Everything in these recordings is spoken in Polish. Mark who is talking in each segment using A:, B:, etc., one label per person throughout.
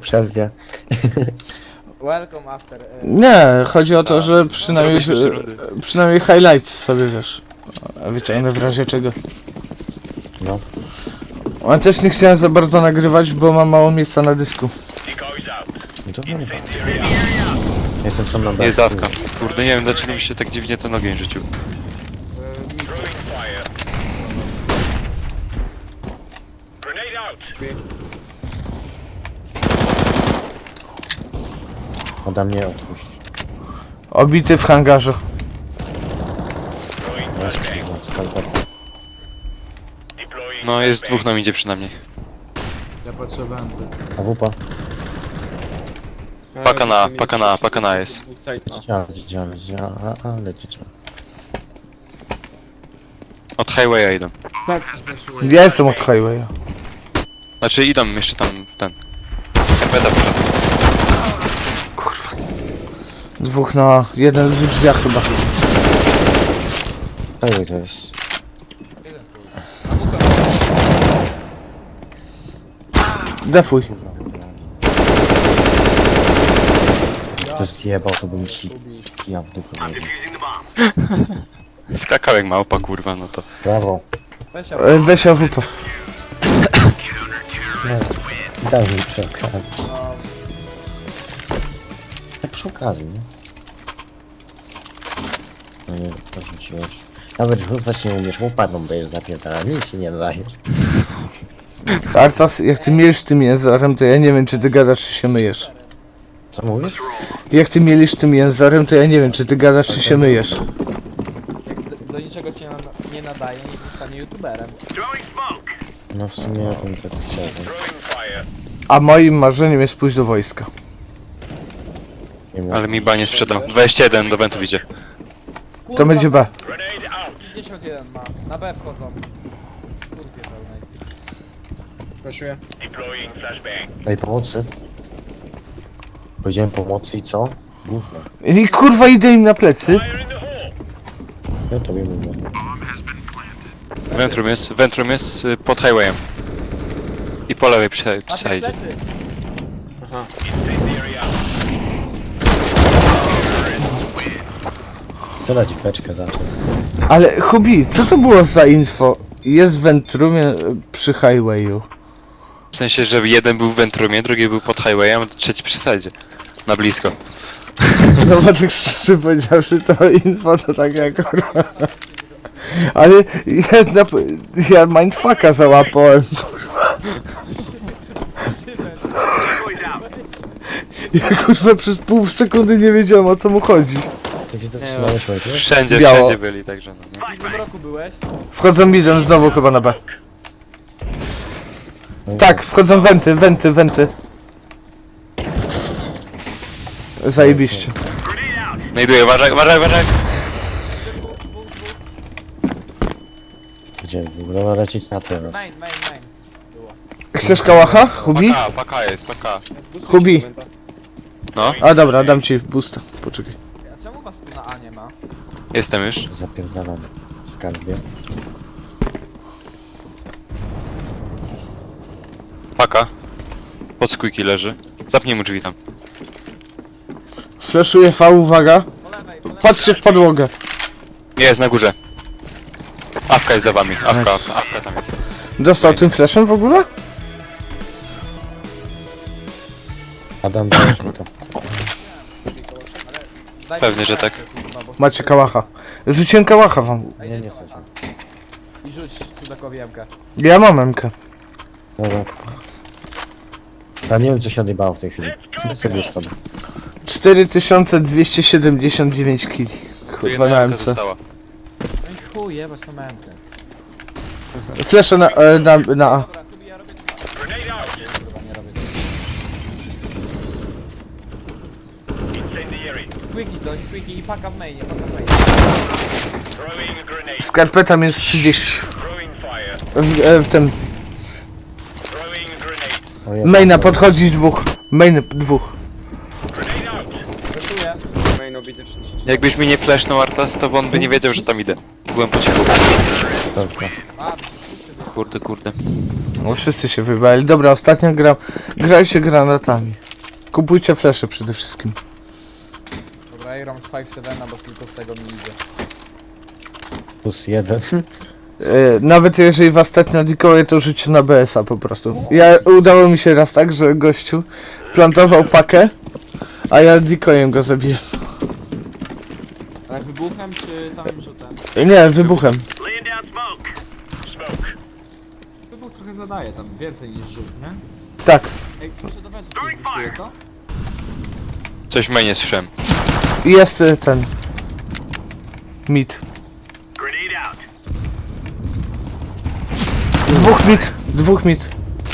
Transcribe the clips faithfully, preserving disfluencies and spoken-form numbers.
A: przerwie.
B: Welcome after. y,
C: Nie, chodzi o to, że przynajmniej, przynajmniej highlights sobie wiesz. Wyciągnę w razie czego.
A: No.
C: A też nie chciałem za bardzo nagrywać, bo mam mało miejsca na dysku.
A: No to nie wiem. Jestem sam na B.
D: Jest awka. Kurde, nie wiem dlaczego mi się tak dziwnie ten ogień rzucił.
A: Ode mnie odpuść.
C: Obity w hangarze.
D: No jest dwóch nam idzie przynajmniej.
E: Ja patrzę wenty.
A: A wupa?
D: Paka na, paka na, paka na jest.
A: Leciała, leciała, leciała, a, a leciała.
D: Od highwaya idą.
E: Tak, zeszyłem.
C: Ja jestem od highwaya.
D: Znaczy idą jeszcze tam w ten. Beta poszedł.
C: Dwóch na jeden w drzwiach chyba.
A: Highway to jest.
C: Defuj.
A: To zjebał, to bym ci ja w dupę wiedział.
D: Skakał jak małpa kurwa, no to.
A: Brawo.
B: Weź
C: E, Weź A W P.
A: No. Daj mi przy okazji. Tak przy okazji, nie? No nie, to rzuciłeś. Nawet rzucać nie umiesz, łopaną będziesz zapierdala, nic ci nie dajesz.
C: Artas, jak ty mielisz tym jęzorem, to ja nie wiem, czy ty gadasz, czy się myjesz.
A: Co mówisz?
C: Jak ty mielisz tym jęzorem, to ja nie wiem, czy ty gadasz, czy się myjesz.
B: Jak do, do niczego cię na, nie nadaje, niech zostanie youtuberem.
A: No w sumie ja bym tak chciał.
C: A moim marzeniem jest pójść do wojska.
A: Nie wiem,
D: Ale mi ba nie sprzedał. dwadzieścia jeden do wentów idzie.
B: Kurwa,
C: To będzie B.
B: pięćdziesiąt jeden ma. Na B wchodzą. Kurwie pełnej.
E: Proszę.
A: Daj pomocy. Powiedziałem pomocy i co? Gówno.
C: I kurwa idę im na plecy.
A: Ja tobie mówię.
D: Ventrum jest, Ventrum jest y, pod highwayem. I po lewej przy,
B: Na
D: przy idzie.
B: plecy.
A: To dać beczkę zaczął.
C: Ale Hubi, co to było za info? Jest w Ventrumie e, przy highwayu.
D: W sensie, że jeden był w Ventrumie, drugi był pod highwayem, a trzeci przy sadzie. Na blisko.
C: No bo tak szczerze powiedziawszy, to info to tak jak kurwa. Ale ja, na, ja mindfucka załapałem. Ja kurwa przez pół sekundy nie wiedziałem, o co mu chodzi.
A: Gdzie zatrzymałeś ojciec?
D: Wszędzie,
C: Biało.
D: wszędzie byli, także no nie.
B: W innym roku byłeś?
C: Wchodzą midem znowu chyba na B. Tak, wchodzą wenty, wenty, wenty. Zajebiście.
D: Znajduję, uważaj, uważaj, uważaj!
A: Gdzie w ogóle ma lecieć na teraz?
B: Main, main, main.
C: Chcesz kałacha, Hubi?
D: Paka, paka jest, paka.
C: Hubi.
D: No,
C: A dobra, dam ci boosta. Poczekaj.
B: A czemu was tu na A nie ma?
D: jestem już.
A: Zapierdalam w skarbie.
D: Paka. Pod skójki leży. Zapnij mu drzwi tam.
C: Flashuję V, uwaga.
B: Po lewej, po lewej.
C: Patrzcie w podłogę.
D: Jest na górze. Awka jest za wami, awka,
C: Nice.
D: awka, awka tam jest.
C: Dostał tym flashem w ogóle?
A: Adam, dajesz mi to.
B: Daj
D: Pewnie,
B: mi
D: że
B: kartę,
D: tak.
B: kurwa, bo-
C: Macie kałacha. Rzuciłem kałacha wam.
A: Nie, nie chcę cię.
B: I rzuć cudakowi jemkę.
C: Ja mam emkę.
A: Dobra. Ja nie wiem co się odjebało w tej chwili. Wybierz sobie.
C: cztery tysiące dwieście siedemdziesiąt dziewięć kili.
D: Tu
C: Kurwa
D: jedna
C: na
D: awka
C: M C.
D: została.
B: No i chuj, jebać tą jemkę.
C: Flesze na, e, na, na A.
B: Dobra, tu ja robię dwa. Kurwa, nie robię. Squeaky coś, squeaky i paka w mainie, paka w mainie.
C: Skarpeta minus trzydzieści. W, e, w tym.
A: O, ja
C: Maina
A: pierdolę.
C: podchodzi dwóch. Main dwóch.
B: Reszuję.
E: Main obity trzydzieści.
D: Jakbyś mi nie flashnął Artas, to on by nie wiedział, że tam idę. Byłem po cichu.
A: Dobra.
B: A, wszyscy byli.
D: Kurde, kurde.
C: No wszyscy się wybali. Dobra, ostatnia gra. Grajcie granatami. Kupujcie flesze przede wszystkim.
B: Dobra, ja gram z pięć siedem, bo tylko z tego mi idzie.
A: Plus jeden.
C: E, nawet jeżeli was stać na decoy, to rzućcie na B S a po prostu. Ja udało mi się raz tak, że gościu plantował pakę, a ja decoyem go zabiję.
B: Ale wybuchem czy samym rzutem?
C: Nie, wybuchem.
B: Wybuch trochę zadaje tam, więcej niż rzut, nie?
C: Tak.
B: Ej, proszę do wentu coś wyskuje, co?
D: Coś w mainie słyszałem.
C: I jest e, ten. Mid. Dwóch mid, dwóch mid.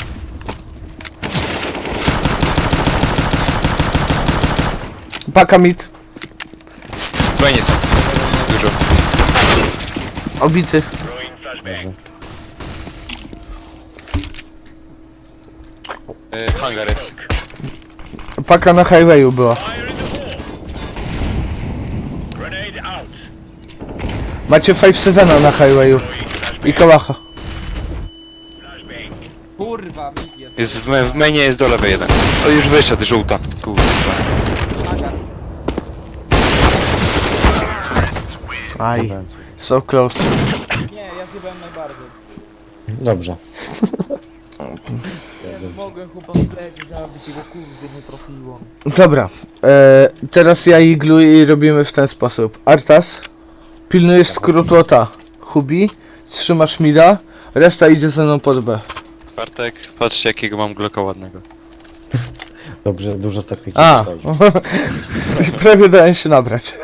C: Paka mid,
D: W mainie są. Dużo.
C: obity.
D: E, hangar jest.
C: Paka na highwayu była. Macie pięć siedem na highwayu. I kałacha.
B: Kurwa, mit jest.
D: Jest w, w mainie jest do lewej jeden. O, już wyszedł, żółta. Kurwa.
B: Hangar.
C: Aj, so close.
B: Nie, ja zjebałem najbardziej.
A: Dobrze.
B: Nie mogłem chłopa w plecy zabić, jego kurde nie trafiło.
C: Dobra, e, teraz ja i Glu i robimy w ten sposób. Artas, pilnujesz skrótu o ta. Hubi, trzymasz mida, reszta idzie ze mną pod B.
D: Bartek, patrzcie jakiego mam Glocka ładnego.
A: Dobrze, dużo z taktyki.
C: A,
A: wychodzi.
C: prawie dałem się nabrać.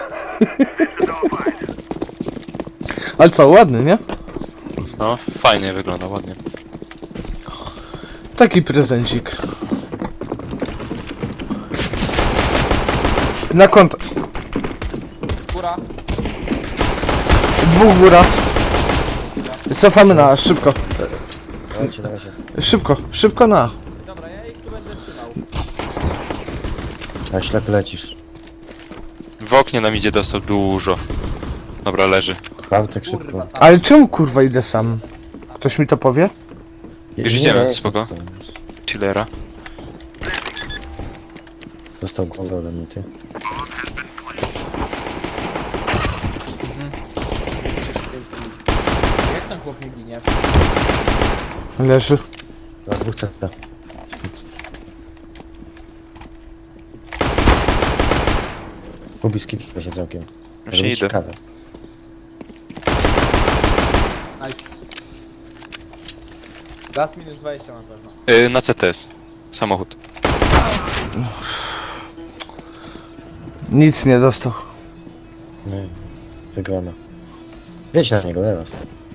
C: Ale co, ładny, nie?
D: No, fajnie wygląda, ładnie.
C: Taki prezencik. Na konto.
B: Góra.
C: Dwóch góra. Cofamy na, szybko.
A: Dawajcie, dawajcie.
C: Szybko, szybko na.
B: Dobra, ja ich tu będę trzymał.
A: A ślepy lecisz.
D: W oknie nam idzie dostał dużo. Dobra, leży.
A: Bartek szybko.
B: Kurwa, tam.
C: Ale czemu kurwa idę sam? Ktoś mi to powie?
D: Już
A: Nie,
D: idziemy,
A: nie,
D: spoko. Chillera.
A: Dostał głowę ode mnie, ty.
B: Jak ten chłop nie ginie?
C: Leży.
A: Na dwóch C T. Kubiski tylko się całkiem.
D: Właśnie
A: Robić
D: idę.
A: kawę.
B: Nice. Gaz minus dwadzieścia na pewno.
D: Yy, na C T S. Samochód.
C: Nic nie dostał.
A: Nie. Wygrana. Wiedź na niego, teraz.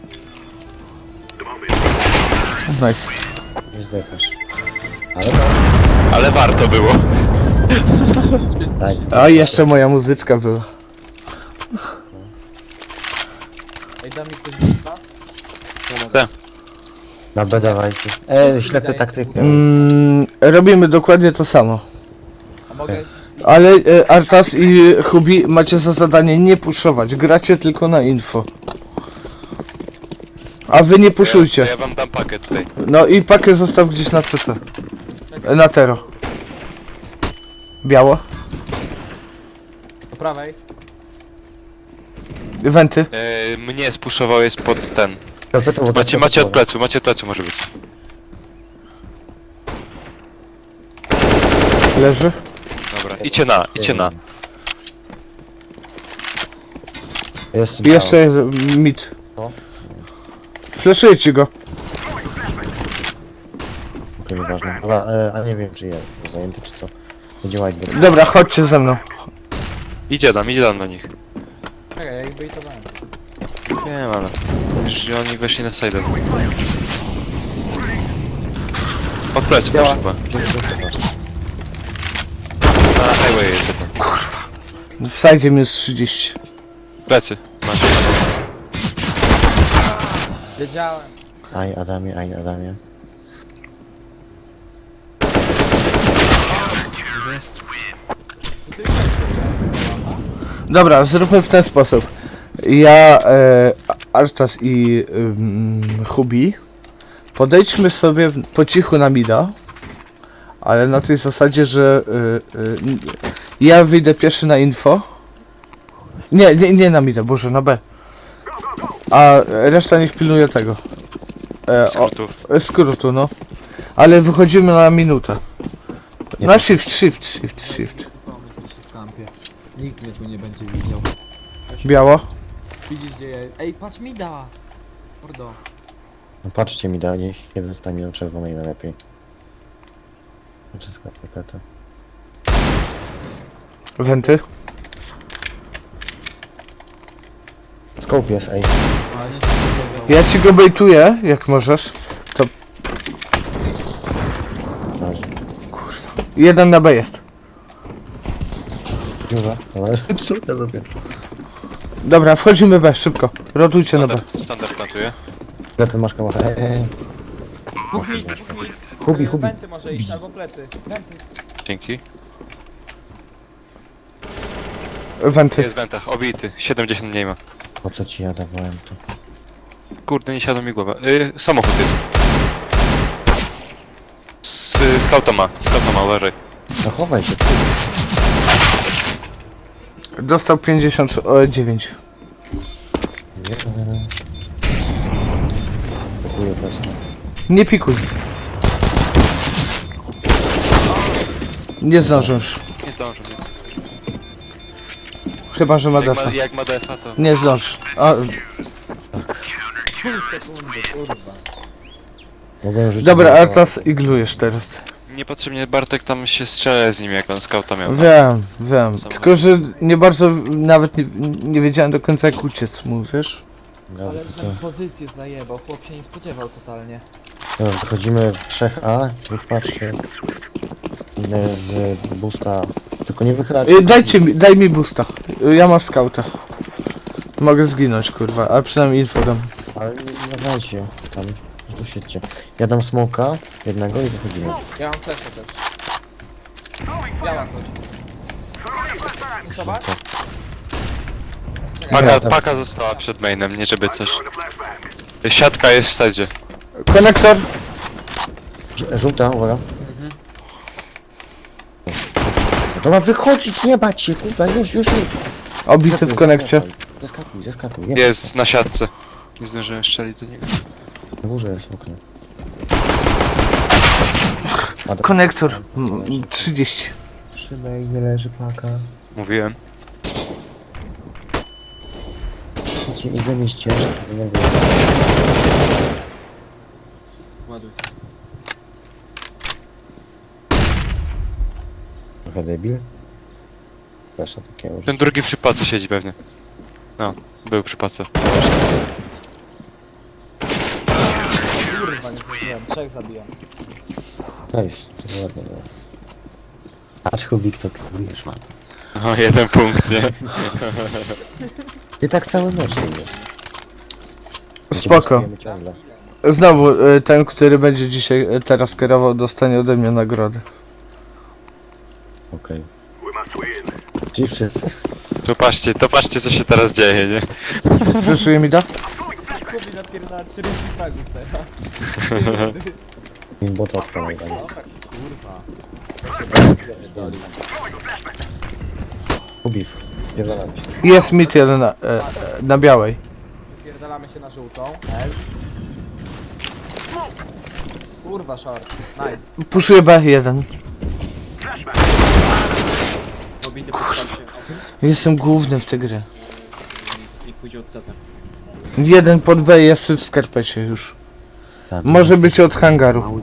C: Nice.
A: Nie zdechniesz. Ale no.
D: Ale warto było.
A: Daj.
C: A i jeszcze moja muzyczka była.
B: Ej, da mi ktoś busta?
D: Tak.
A: Na B dawajcie. E, ślepy taktyk.
C: Mm, robimy dokładnie to samo.
B: A mogę...
C: Ale e, Artas i Hubi macie za zadanie nie puszować. Gracie tylko na info. A wy nie
D: To
C: puszujcie.
D: ja wam dam pakę tutaj.
C: No i pakę zostaw gdzieś na C T. E, Na tero. Biało.
B: Po prawej.
C: Wenty.
D: Yy, mnie spuszował jest pod ten.
A: Ślepy to
D: Macie, macie od plecu, macie od plecu może być.
C: Leży.
D: Dobra, idźcie na, idźcie na.
A: Jest
C: I jeszcze mid.
A: No.
C: Fleszujecie go.
A: Okej, nieważne. Dobra, e, a nie wiem czy ja zajęty czy co. Będzie whiteboard.
C: Dobra, chodźcie ze mną.
D: Idzie tam, idzie tam do nich.
B: Czekaj, ja ich bejtowałem.
D: Wiem, ale... Już oni weszli na side. Od plecu też chyba. Na highway jest jeden.
C: W sajdzie minus trzydzieści.
D: Plecy. Macie.
B: Wiedziałem.
A: Aj Adamie, aj Adamie.
C: Dobra, zróbmy w ten sposób. Ja, e, Artas i ym, Hubi Podejdźmy sobie po cichu na mida, ale na tej zasadzie, że y, y, ja wyjdę pierwszy na info. Nie, nie, nie na mida, boże, na B. A reszta niech pilnuje tego. E, o,
D: Skrótów.
C: skrótu, no. Ale wychodzimy na minutę. Na shift, shift, shift, shift.
F: Pomysł, że się skampię. Nikt mnie tu nie będzie widział.
C: Biało.
F: Widzisz gdzie ja... Ej, patrz mi da! Mordo.
A: No patrzcie mi da, niech jeden stanie na czerwonej najlepiej. Wszystko paketę.
C: Wenty.
A: Scope jest, ej.
F: Ale nie spodziewał.
C: Ja ci go bejtuję, jak możesz.
A: Masz.
C: Jeden na B jest.
A: Dużo. Dobra. Co ja robię?
C: Dobra, wchodzimy B, szybko. Rotujcie na B.
D: Standard, standard plantuje.
A: Lepiej masz kałachę. Ej, ej, ej.
B: Dwóch mit, dwóch mit.
A: Hubi, hubi.
B: Wenty może iść, albo plecy. Wenty.
D: Dzięki.
C: Wenty.
D: Jest w wentach, obity. siedemdziesiąt nie ma.
A: Po co ci ja dawałem to?
D: Kurde, nie siadła mi głowa. Y, samochód jest. Z skauta ma, skauta ma, uważaj.
A: Zachowaj się.
C: Dostał pięćdziesiąt dziewięć.
A: Nie. Dziękuję właśnie.
C: Nie pikuj. Nie zdążysz.
D: Nie zdążę. Nie.
C: Chyba, że ma
D: Jak
C: defa.
D: ma, jak ma defa, to...
C: Nie zdążysz. A,
B: Pół sekundy, kurwa.
A: Mogłem rzucić
C: dobra,
A: na to.
C: Artas iglujesz teraz.
D: Niepotrzebnie Bartek tam się strzela z nim, jak on skauta miał.
C: Wiem, wiem.
D: Samochód.
C: Tylko, że nie bardzo, nawet nie, nie wiedziałem do końca jak uciec mu, wiesz?
A: Dobrze,
B: Ale
A: to,
B: że pozycję zajebał, chłop się nie spodziewał totalnie.
A: to wychodzimy w trzech A, dwóch patrzy. Idę z boosta. Tylko nie wychylać.
C: Y, Dajcie mi, daj mi boosta. Y, Ja mam skauta. Mogę zginąć, kurwa, ale przynajmniej info dam.
A: Ale nie, nie dajcie. Tam, tu siedźcie. Ja dam smoka jednego i wychodzimy.
B: Ja mam flesza też. Biała coś. Zobacz.
D: Paka,
A: Ja tam-
D: paka została przed mainem, nie żeby coś... Siatka jest w sadzie.
C: Konektor.
A: Ż- Żółta, uwaga. No to ma wychodzić, nie bać się, kurwa, już, już, już.
C: Obity w konekcie.
A: Zeskakuj, zeskakuj. Nie,
D: Jest na siatce. Nie zdążyłem strzelić do niego.
A: na górze jest okno. A, do-
C: Konektor. Mm, trzydzieści.
A: Trzymaj, nie leży paka.
D: Mówiłem.
A: Idźcie, idę mi ścieżkę.
F: Ładuj.
A: Trochę debil. Proszę takiego już.
D: Ten drugi przy pace siedzi pewnie. No, był przy pace.
B: Kurwa, nie zrobiłem. Trzech zabijam.
A: Cześć, to ładnie było. Patrz, Hubik, co kierujesz, man.
D: O, jeden punkt, nie?
A: Ty tak cały mecz nie wiesz.
C: Spoko.
A: Ciągle.
C: Znowu, y, ten, który będzie dzisiaj, y, teraz kierował, dostanie ode mnie nagrodę.
A: Okej. Czyli wszyscy.
D: To patrzcie, to patrzcie co się teraz dzieje, nie?
C: Fleszuje mi da?
B: Kubi napierdala czterdzieści fragów teraz.
A: Im bota odpalaj tam.
B: Kurwa.
A: Hubif, pierdolamy się.
C: Jest mit jeden na, e, e, na białej.
B: Wypierdalamy się na żółtą. L. Kurwa, short. Nice.
C: Puszuje B jeden.
E: Obity postacie.
C: Jestem główny w tej grze.
E: Niech pójdzie od ceta.
C: Jeden pod B jest w skarpecie już.
A: Tak,
C: Może być od hangaru.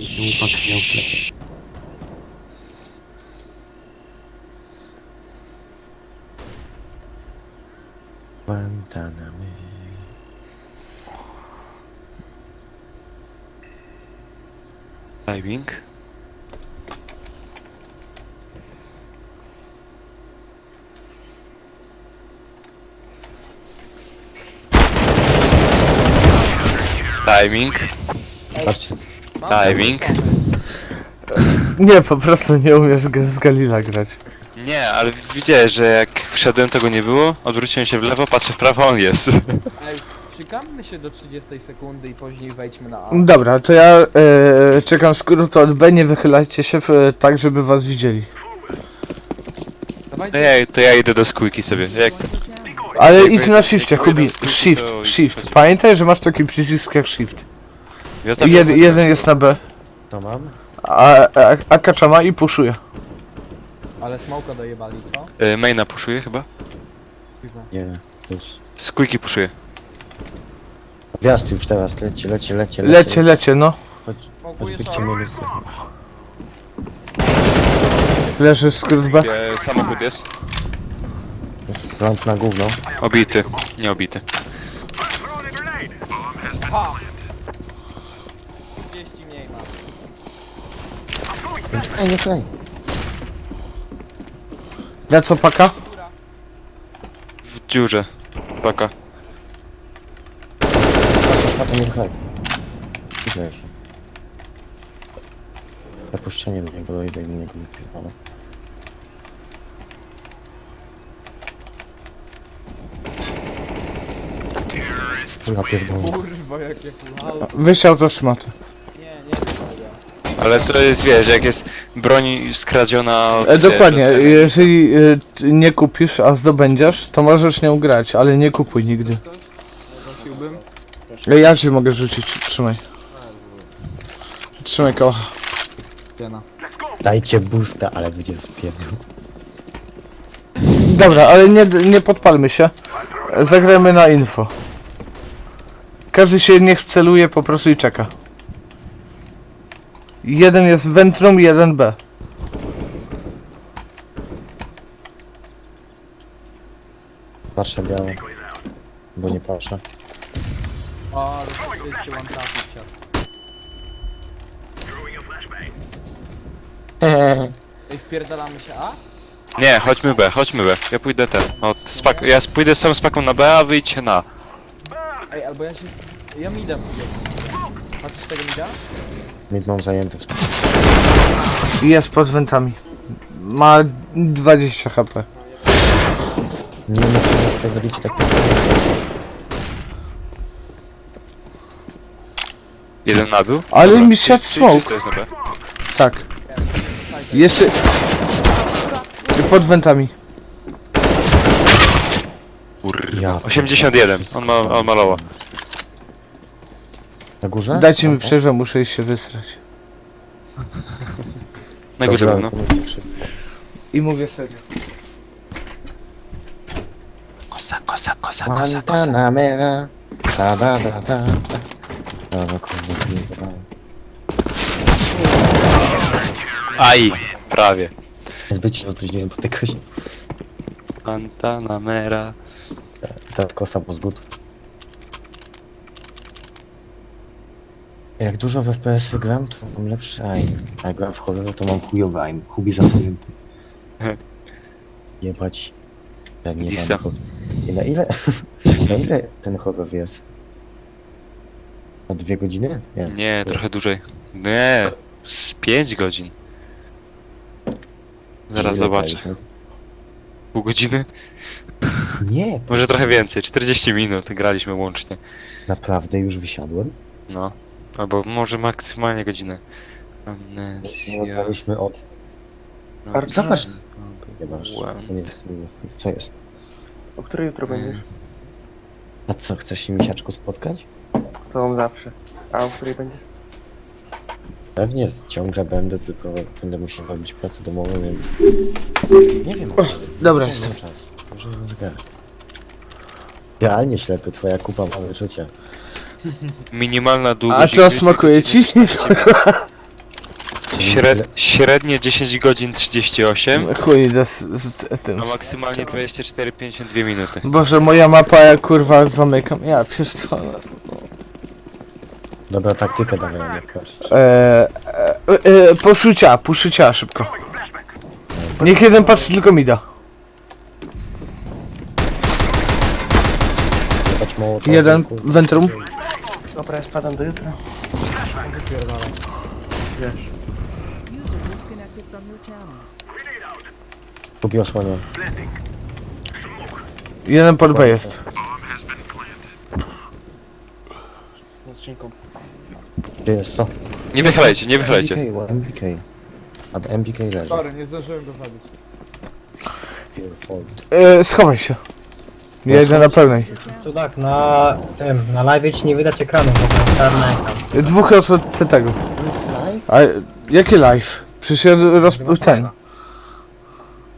A: Guantanamo.
D: Timing. Timing.
A: Patrzcie,
B: Mam
D: Timing.
C: Nie, po prostu nie umiesz g- z Galila grać.
D: Nie, ale widziałeś, że jak wszedłem, to go nie było, odwróciłem się w lewo, patrzę w prawo, on jest.
B: Ej, Czekamy się do trzydziestej sekundy i później wejdźmy na A.
C: Dobra, to ja e, czekam skrót od B, nie wychylajcie się w, tak, żeby was widzieli.
D: No
B: Dawajcie.
D: ja, to ja idę do skójki sobie. Jak
C: Ale
D: Jakby-
C: idź na shifcie,
D: jakby
C: Hubi,
D: jeden skrót,
C: shift,
D: to
C: shift.
D: chodzi.
C: Pamiętaj, że masz taki przycisk jak shift.
D: ja zawsze
C: Jed,
D: chodzę-
C: jeden jest na B,
A: To mam?
C: a, a, a kaczama i puszuje.
B: Ale smoka dojebali, co?
D: Y, maina puszuje chyba?
B: Chyba.
A: Nie, już.
D: Skójki puszuje.
A: Gwiazd już teraz, lecie, lecie, lecie,
C: Lecie, lecie, no.
A: Chodź,
B: Smokuje
A: chodź,
B: short.
A: minusy.
C: Leży skrót B.
D: E, samochód jest.
A: Lamp na gówno.
D: Obity. Nie obity.
B: Ha! trzydzieści mniej ma.
A: Ej, nie klej.
C: Na co paka?
D: W dziurze. Paka.
A: Szmatę nie klej. Widzę się. Zapuszczenie do niego dojdę i do niego wypierdolę. Kurwa pierdolę.
B: Kurwa, jakie full auto.
C: Wysiał to szmatę.
B: Nie, nie wiem.
D: Ale to jest, wiesz, jak jest broń skradziona...
C: E, dokładnie,
D: wiesz,
C: jeżeli e, ty nie kupisz, a zdobędziesz, to możesz nią grać, ale nie kupuj nigdy.
B: Coś? Prosiłbym.
C: E, Ja ci mogę rzucić, trzymaj. Trzymaj kocha.
B: Cena.
A: Dajcie boosta, ale będzie wpierdol.
C: Dobra, ale nie, nie podpalmy się. E, Zagrajmy na info. Każdy się niech celuje po prostu i czeka. Jeden jest Ventrum, jeden B.
A: Patrzę biało. Bo nie patrzę.
B: O, ale jeszcze mam trafić siat. Ej, wpierdalamy się A?
D: Nie, chodźmy B, chodźmy B. Ja pójdę ten. O, spak ja pójdę sam z paką na B, a wyjdźcie na.
B: Ej, albo ja się... Ja mida pójdę. Patrzysz tego mida?
A: Mid mam zajęty.
C: Jest pod wentami. Ma dwadzieścia HP.
A: Nie muszę wpierdolić tak.
D: Jeden na dół.
C: Ale
D: Dobra,
C: mi
D: czy-
C: siadł
D: czy-
C: smoke.
D: czy to jest na B?
C: Tak. Jeszcze... Pod wentami.
A: Ja.
D: osiemdziesiąt jeden. On ma, on ma lowa.
A: Na górze?
C: Dajcie mi
A: Dobra.
C: przerwę, muszę iść się wysrać.
D: Na górze
A: Dobra,
D: był, no.
A: to będzie szybko.
C: I mówię serio.
D: Kosa, kosa, kosa, kosa, kosa.
A: Guantanamera. Ta da da da da. Dobra, kurwa, nie zabrałem.
D: Aj, prawie.
A: Zbyt się rozluźniłem po tej kozie.
D: Guantanamera.
A: Ta kosa po zgód. Jak dużo w F P S-y gram, to mam lepszy aim. A jak gram w horror, to mam chujowy aim. Hubi zamknięty. Jebać. Ja nie
D: Disa.
A: mam horror. I na ile? Na ile ten horror jest? Na dwie godziny? Nie.
D: Nie, trochę dłużej. Nie, z pięć godzin. Zaraz
A: Ile
D: zobaczę.
A: graliśmy?
D: Pół godziny?
A: Nie,
D: Może trochę więcej, czterdzieści minut graliśmy łącznie.
A: naprawdę już wysiadłem.
D: No. Albo może maksymalnie godzinę.
A: Nie
D: Amnezja.
A: graliśmy od...
D: no,
A: Zobacz.
D: no,
A: Nie masz.
D: błęd.
A: To nie, to nie jest. Co jest?
G: O której jutro będziesz?
A: A co, chcesz się misiaczku spotkać?
G: Z tobą zawsze. A o której będziesz?
A: Pewnie ciągle będę, tylko będę musiał robić pracę domową, więc... Nie wiem.
C: Dobra,
A: nie
C: jestem.
A: mam czas. Może rozgrać. Idealnie ślepy, twoja kupa ma wyczucia.
D: Minimalna długość.
C: A co
D: gry-
C: smakuje ci?
D: Śred, średnie dziesięć godzin trzydzieści osiem,
C: Chuj, idę z, z tym.
D: a maksymalnie dwadzieścia cztery pięćdziesiąt dwie minuty.
C: Boże, moja mapa, ja kurwa zamykam. Ja pierdolę.
A: Dobra, taktykę dawaj, a nie płacz.
C: Eee, e, e, poszucia, poszucia szybko. Niech jeden patrzy tylko mi da.
A: Jebać mało
C: Jeden,
A: kurwa.
C: Ventrum.
G: Dobra, ja spadam do jutra. Wiesz.
H: User disconnected from your channel.
A: Kupi osłonię.
C: Jeden pod B jest.
E: Za skrzynką.
A: Gdzie jest, co?
D: Nie wychylajcie, nie wychylajcie.
A: M B K, M B K. A M B K leży.
B: Sorry, nie zdążyłem go zabić.
A: Your fault.
C: E, schowaj się. Ja idę na pełnej.
I: Cudak, na tym, na live ci nie widać ekranu, bo to czarny ekran.
C: Dwóch od tego.
A: To jest live?
C: A jakie live? Przecież ja roz... ten.